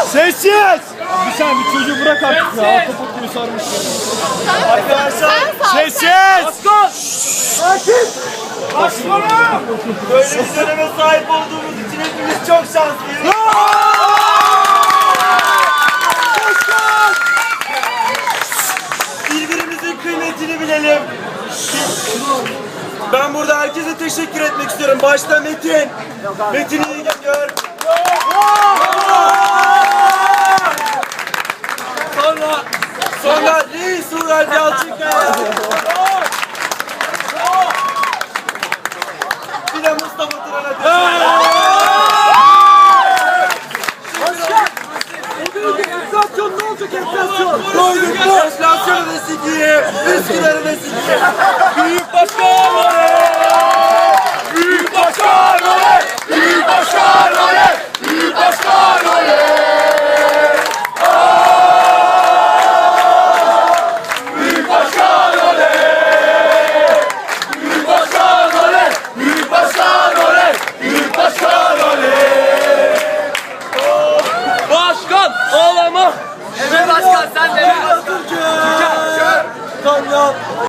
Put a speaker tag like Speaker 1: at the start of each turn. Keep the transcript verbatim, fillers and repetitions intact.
Speaker 1: Sessiz! Bir saniye bir çocuğu bırak artık ya. Kapak gibi sarmış ya.
Speaker 2: Arkadaşlar
Speaker 1: sessiz!
Speaker 2: Başkan! Sakin! Başkanım! Böyle bir döneme sahip olduğumuz için hepimiz çok şanslıyız. Başkan! Birbirimizin kıymetini bilelim. Ben burada herkese teşekkür etmek istiyorum. Başta Metin. Metin iyi geliyor. Sonra sonra Reis Uğur Yalçınkaya. Bir de Mustafa Turan'a teşekkür ederim. Enflasyon ne olacak enflasyon? Doyduk mu? Enflasyonu da sikiyim. Üsküdar'ı da sikiyim. Büyük başkan oley! Büyük başkan oley! Büyük başkan oley! Büyük başkan oley! Büyük başkan oley! Büyük başkan oley! Büyük başkan oley! Büyük başkan oley! Başkan ağlama! Evet başkan sen de. Türkiye! Türkiye!